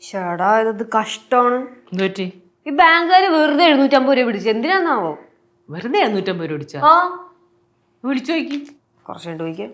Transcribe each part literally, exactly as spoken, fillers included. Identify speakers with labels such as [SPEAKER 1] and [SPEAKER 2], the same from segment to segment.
[SPEAKER 1] ചേടാ ഇത് കഷ്ടമാണ്.
[SPEAKER 2] എന്തുപറ്റി?
[SPEAKER 1] ഈ ബാങ്കുകാര് വെറുതെ എഴുന്നൂറ്റമ്പത് രൂപ പിടിച്ചു. എന്തിനാന്നാവോ?
[SPEAKER 2] വെറുതെ എഴുന്നൂറ്റമ്പത് രൂപ പിടിച്ചാ?
[SPEAKER 1] ആ
[SPEAKER 2] വിളിച്ചു നോക്കി.
[SPEAKER 1] കുറച്ച് കണ്ടു ചോദിക്കാം.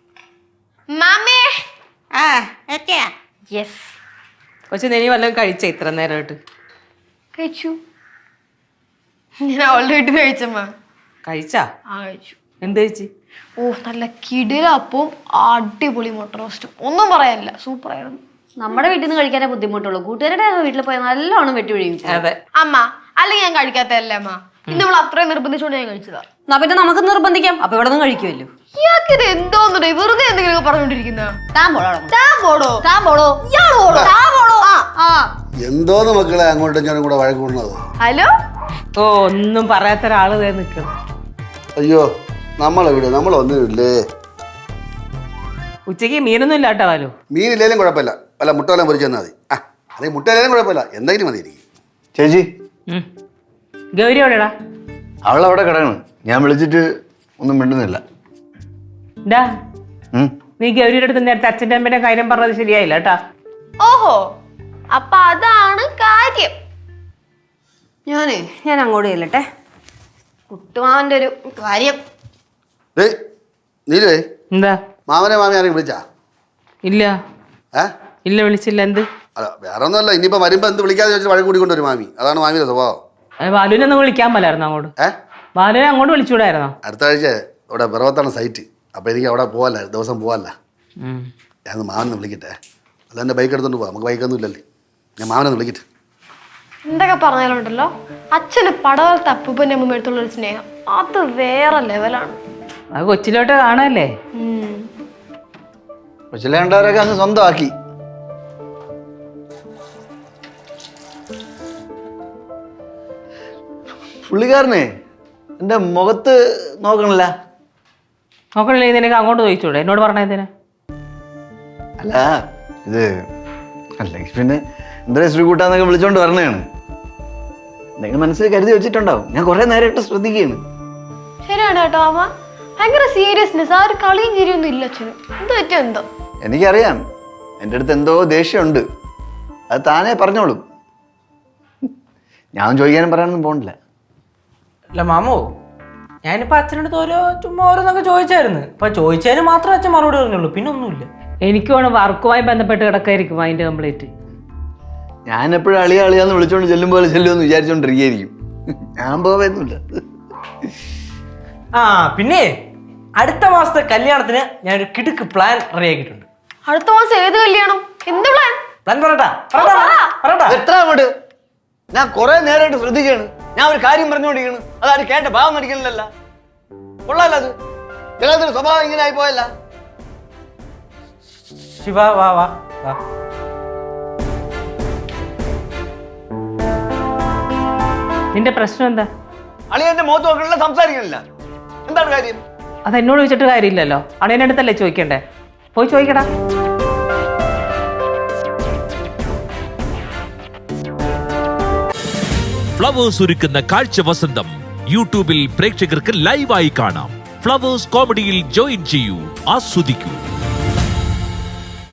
[SPEAKER 2] പക്ഷെ നീ വല്ലതും കഴിച്ച ഇത്ര നേരമായിട്ട്?
[SPEAKER 3] കഴിച്ചു. ഞാൻ ഓൾറെഡി കഴിച്ചമ്മ.
[SPEAKER 2] കഴിച്ചാ?
[SPEAKER 3] ആ കഴിച്ചു.
[SPEAKER 2] എന്ത് കഴിച്ച്?
[SPEAKER 3] ഓ നല്ല കിടിലപ്പവും അടിപൊളി മുട്ട റോസ്റ്റും. ഒന്നും പറയാനില്ല, സൂപ്പർ ആയിരുന്നു.
[SPEAKER 1] നമ്മുടെ വീട്ടിൽ നിന്ന് കഴിക്കാനേ ബുദ്ധിമുട്ടുള്ളൂ. കൂട്ടുകാരുടെ വീട്ടിൽ പോയാൽ നല്ലോണം വെട്ടി ഒഴിയും.
[SPEAKER 2] അതെ
[SPEAKER 3] അമ്മ, അല്ലെങ്കിൽ ഞാൻ കഴിക്കാത്തല്ലേ അമ്മ. പിന്നെ നമ്മൾ അത്രയും നിർബന്ധിച്ചോണ്ട് ഞാൻ കഴിച്ചതാ.
[SPEAKER 1] എന്നാ പിന്നെ നമുക്ക് നിർബന്ധിക്കാം. അപ്പൊ ഇവിടെ നിന്ന് കഴിക്കുമല്ലോ.
[SPEAKER 3] ഇയാൾക്ക് ഇത് എന്തോന്നുണ്ടോ വെറുതെ എന്തെങ്കിലും പറഞ്ഞോണ്ടിരിക്കുന്ന?
[SPEAKER 1] താൻ പോടോ.
[SPEAKER 3] താൻ പോടോ.
[SPEAKER 1] താൻ പോടോ. ഇയാള് പോടോ. താൻ പോടോ. ആ
[SPEAKER 4] എന്തോന്ന് മക്കളെ അങ്ങോട്ടും ഞാനും കൂടെ വഴക്കൂടുന്നത്?
[SPEAKER 3] ഹലോ.
[SPEAKER 2] ഓ ഒന്നും പറയാത്ത ഒരാള് നിൽക്കണം.
[SPEAKER 4] അയ്യോ നമ്മളെവിടെ? നമ്മളൊന്നുമില്ലേ.
[SPEAKER 2] ഉച്ചക്ക് മീനൊന്നും ഇല്ല കേട്ടോ. വാലു
[SPEAKER 4] മീനില്ലേലും കുഴപ്പമില്ല, അല്ല മുട്ട വല്ലതും പൊരിച്ചു തന്നാൽ മതി. ആ അല്ലെങ്കിൽ മുട്ട ഇല്ലേലും കുഴപ്പമില്ല, എന്തെങ്കിലും മതി എനിക്ക്.
[SPEAKER 5] ചേച്ചി
[SPEAKER 2] ഗൗരി എവിടെടാ?
[SPEAKER 5] അവളവിടെ കിടക്കണം. ഞാൻ വിളിച്ചിട്ട് ഒന്നും മിണ്ടുന്നില്ല.
[SPEAKER 2] ഡാ നീ ഗൗരിയുടെ അടുത്ത് നേരത്തെ അച്ഛൻ്റെ അമ്മേന്റെ കാര്യം പറഞ്ഞത് ശരിയായില്ല കേട്ടാ.
[SPEAKER 3] ഓഹോ, അപ്പൊ അതാണ് കാര്യം.
[SPEAKER 1] ഞാനേ ഞാൻ അങ്ങോട്ട് ചെല്ലട്ടെ. കുട്ടുമാവന്റെ ഒരു കാര്യം.
[SPEAKER 4] ഏയ് നീലുവേ,
[SPEAKER 2] എന്താ?
[SPEAKER 4] മാമനെ മാമി ആരെയും വിളിച്ചാ?
[SPEAKER 2] ഇല്ല
[SPEAKER 4] ഏ
[SPEAKER 2] ഇല്ല വിളിച്ചില്ല. എന്ത്?
[SPEAKER 4] അല്ല വേറെ ഒന്നുമല്ല, ഇനിയിപ്പോൾ വരുമ്പോൾ എന്ത് വിളിക്കാതെ ചോദിച്ചാൽ വഴക്ക് കൂടിക്കൊണ്ടൊരു മാമി. അതാണ് മാമിയുടെ സ്വഭാവം.
[SPEAKER 2] ബാലുവിനെ ഒന്ന് വിളിക്കാൻ പോലായിരുന്നു അങ്ങോട്ട്.
[SPEAKER 4] ഏ
[SPEAKER 2] ബാലുവിനെ അങ്ങോട്ട് വിളിച്ചുകൂടായിരുന്നോ?
[SPEAKER 4] അടുത്ത ആഴ്ച ഇവിടെ പിറവത്താണ് സൈറ്റ്. അപ്പോൾ എനിക്ക് അവിടെ പോകാല്ല, ദിവസം പോകാല്ല. ഞാൻ മാമനെ വിളിക്കട്ടെ. അല്ല എൻ്റെ ബൈക്ക് എടുത്തോണ്ട് പോവാം, നമുക്ക് ബൈക്കൊന്നും ഇല്ലല്ലേ. ഞാൻ മാമനെ വിളിക്കട്ടെ.
[SPEAKER 3] എന്തൊക്കെ പറഞ്ഞാലുണ്ടല്ലോ, അച്ഛന് പടവലത്തെ അപ്പൂപ്പൻ്റെ അമ്മ എടുത്തുള്ള ഒരു സ്നേഹം അത് വേറെ ലെവലാണ്.
[SPEAKER 2] അത് കൊച്ചിലോട്ട് കാണാല്ലേ.
[SPEAKER 5] കൊച്ചിലേണ്ടവരൊക്കെ അങ്ങ് സ്വന്തമാക്കി. പുള്ളിക്കാരനെ എൻ്റെ മുഖത്ത് നോക്കണില്ല.
[SPEAKER 2] നോക്കണില്ലേ? നിനക്ക് അങ്ങോട്ട് ചോദിച്ചൂടെ? എന്നോട് പറഞ്ഞതിന്.
[SPEAKER 5] അല്ല ഇത് അല്ലെങ്കിൽ പിന്നെ എന്തായാലും ശ്രീകൂട്ടാന്നൊക്കെ വിളിച്ചോണ്ട് വരണേണ്. എന്തെങ്കിലും മനസ്സിൽ കരുതി വെച്ചിട്ടുണ്ടാവും. ഞാൻ കുറെ നേരമായിട്ട് ശ്രദ്ധിക്കുകയാണ്.
[SPEAKER 3] ശരിയാണ് കേട്ടോ അമ്മ, ഭയങ്കര സീരിയസ്നെസ്. ആ ഒരു കളിയും ചിരിയൊന്നും ഇല്ല അച്ഛന്. എന്ത് പറ്റും എന്തോ.
[SPEAKER 5] എനിക്കറിയാം എൻ്റെ അടുത്ത് എന്തോ ദേഷ്യമുണ്ട്. അത് താനേ പറഞ്ഞോളും. ഞാൻ ചോദിക്കാനും പറയാനൊന്നും പോകണില്ല.
[SPEAKER 6] അല്ല മാമോ, ഞാനിപ്പോ അച്ഛനടുത്ത് ഓരോ ചുമ്മാ ഓരോന്നൊക്കെ ചോദിച്ചായിരുന്നു. ഇപ്പൊ ചോദിച്ചതിന് മാത്രമേ അച്ഛൻ മറുപടി പറഞ്ഞുള്ളൂ, പിന്നെ ഒന്നുമില്ല.
[SPEAKER 2] എനിക്ക് വേണം വർക്കുമായി ബന്ധപ്പെട്ട് കിടക്കായിരിക്കും അതിന്റെ കംപ്ലീറ്റ്.
[SPEAKER 5] ഞാൻ എപ്പോഴും അളിയ അളിയാന്ന് വിളിച്ചോണ്ട് ചെല്ലും പോലെ ചെല്ലുമെന്ന് വിചാരിച്ചോണ്ടിരിക്കുകയായിരിക്കും. ഞാൻ പോവുന്നില്ല.
[SPEAKER 6] ആ പിന്നെ അടുത്ത മാസത്തെ കല്യാണത്തിന് ഞാനൊരു കിടുക്ക് പ്ലാൻ റെഡിയാക്കിയിട്ടുണ്ട്.
[SPEAKER 3] അടുത്ത മാസം ഏത് കല്യാണം? എന്ത് പ്ലാൻ?
[SPEAKER 6] പ്ലാൻ പറയട്ടാ പറയട്ടാ
[SPEAKER 5] എത്ര അങ്ങോട്ട്? ഞാൻ കുറെ നേരമായിട്ട് ശ്രദ്ധിക്കുകയാണ്. ഞാൻ ഒരു കാര്യം പറഞ്ഞുകൊണ്ടിരിക്കുന്നു, അതാരും കേട്ട ഭാവം നടിക്കണില്ലല്ല. കൊള്ളാല്ല അത്. എല്ലാത്തിനും സ്വഭാവം ഇങ്ങനെ ആയി പോയല്ല.
[SPEAKER 6] ശിവ വാ വാ വാ.
[SPEAKER 2] നിന്റെ പ്രശ്നം എന്താ?
[SPEAKER 5] അളിയന്റെ മുഖത്ത് നോക്കണില്ല, സംസാരിക്കണില്ല. എന്താണ് കാര്യം?
[SPEAKER 2] അത് എന്നോട് ചോദിച്ചിട്ട് കാര്യമില്ലല്ലോ. അളിയൻ്റെ അടുത്തല്ലേ ചോദിക്കണ്ടേ? പോയി ചോദിക്കടാ.
[SPEAKER 7] ഫ്ലവേഴ്സ് ഒരുക്കുന്ന കാഴ്ച വസന്തം യൂട്യൂബിൽ പ്രേക്ഷകർക്ക് ലൈവായി കാണാം. ഫ്ലവേഴ്സ് കോമഡിയിൽ ജോയിൻ ചെയ്യൂ, ആസ്വദിക്കൂ.